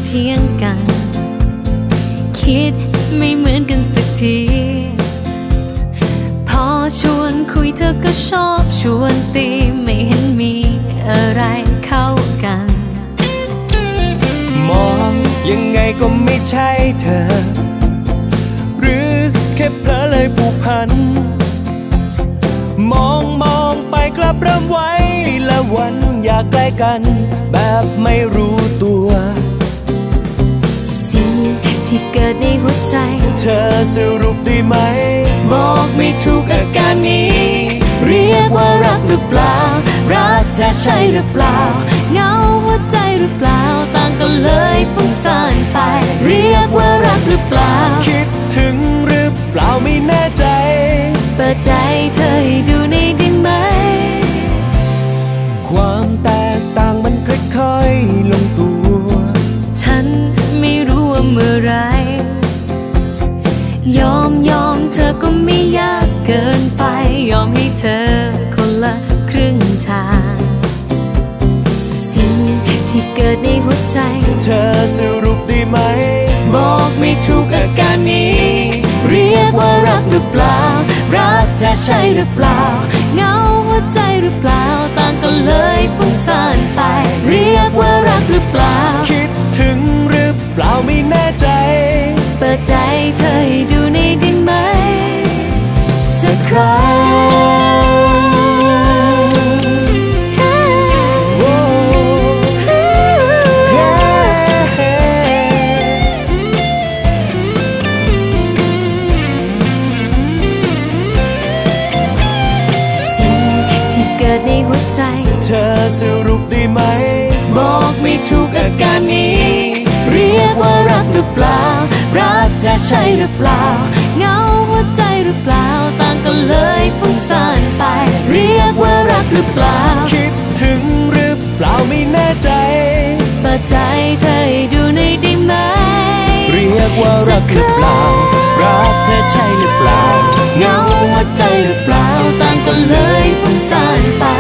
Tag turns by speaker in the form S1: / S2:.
S1: เถียงกันคิดไม่เหมือนกันสักทีพอชวนคุยเธอก็ชอบชวนตีไม่เห็นมีอะไรเข้ากัน
S2: มองยังไงก็ไม่ใช่เธอหรือแค่เพลอเลยผูกพันมองไปกลับเริ่มไว้ละวันอยากใกล้กันแบบไม่รู้ตัว
S1: สิ่งที่เกิดในหัวใจ
S2: เธอสรุปได้ไหม
S1: บอกไม่ถูกอาการนี้เรียกว่ารักหรือเปล่ารักจะใช่หรือเปล่าเงาหัวใจหรือเปล่าต่างกันเลยฟุ้งซ่านไปเรียกว่ารักหรือเปล่า
S2: คิดถึงหรือเปล่าไม่แน่ใจ
S1: เปิดใจเธอให้ดูในได้ไหม
S2: ความแตกต่างมันค่อยๆลงตัว
S1: ฉันไม่รู้ว่าเมื่อไรยอมเธอก็ไม่ยากเกินไปยอมให้เธอคนละครึ่งทางสิ่งที่เกิดในหัวใจ
S2: เธอสรุปได้ไหม
S1: บอกไม่ถูกอาการนี้เรียกว่ารักหรือเปล่ารักจะใช่หรือเปล่าเงาหัวใจหรือเปล่าต่างกันเลยฟุ้งซ่านไปเรียกว่ารักหรือเปล่า
S2: คิดถึงหรือเปล่าไม่แน่ใจ
S1: เปิดใจเธอให้ดูในได้ไหมสักครั้งในหัวใจ
S2: เธอสรุปได้ไหม
S1: บอกไม่ถูกอาการนี้เรียกว่ารักหรือเปล่ารักจะใช่หรือเปล่าเงาหัวใจหรือเปล่าต่างกันเลยฟุ้งซ่านไปเรียกว่ารักหรือเปล่า
S2: คิดถึงหรือเปล่าไม่แน่ใจ
S1: เปิดใจเธอให้ดูในได้ไหม
S2: เรียกว่ารักหรือเปล่ารักเธอใช่หรือเปล่า
S1: เงาหัวใจหรือเปล่าต่างกันเลยฟุ้งซ่านไป